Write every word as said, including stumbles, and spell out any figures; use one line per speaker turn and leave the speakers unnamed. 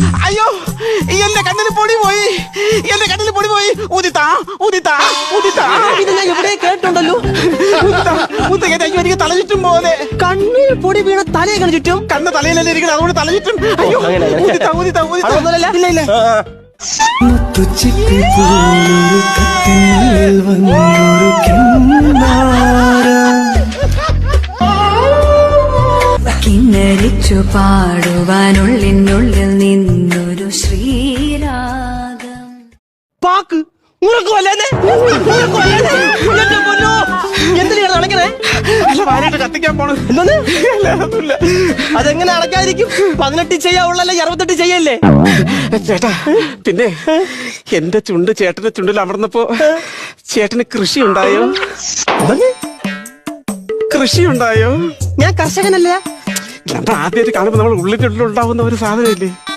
അയ്യോ എന്റെ കണ്ണിന് പൊടി പോയി, എന്റെ കണ്ണിന് പൊടി പോയി. ഉദിത്താ ഉദിത്താ ഉദിത്താ
ഇത് ഞാൻ എവിടെ കേട്ടുണ്ടല്ലോ.
എനിക്ക് തല ചുറ്റും പോലെ.
കണ്ണിൽ പൊടി വീണ തലയൊക്കെ ചുറ്റും.
കണ്ണ് തലയിലല്ലേ ഇരിക്കണം, അതുകൊണ്ട് തല ചുറ്റും. അയ്യോ ഉദിത്താ ഉദിത്താ ഉദിത്താ.
ഇല്ല ഇല്ല
കിന്നരിച്ചു പാടുവാനുള്ളിനുള്ളിൽ നിന്നൊരു ശ്രീരാഗം.
പാക്ക് എന്തിനാണ് അടയ്ക്കണേ?
വാനായിട്ട് കത്തിക്കാൻ പോണു.
എന്തോന്ന്? അതെങ്ങനെ അടയ്ക്കാതിരിക്കും? പതിനെട്ട് ചെയ്യാവുള്ളല്ലേ, അറുപത്തെട്ട് ചെയ്യല്ലേ?
ചേട്ടാ പിന്നെ എന്റെ ചുണ്ട് ചേട്ടന്റെ ചുണ്ടിൽ അമർന്നപ്പോ ചേട്ടന് കൃഷി ഉണ്ടായോ? കൃഷി ഉണ്ടായോ?
ഞാൻ കർഷകനല്ലേ.
ആദ്യമായിട്ട് കാണുമ്പോ നമ്മൾ ഉള്ളിന്റെ ഉള്ളിൽ ഉണ്ടാവുന്ന ഒരു സാധനമില്ലേ?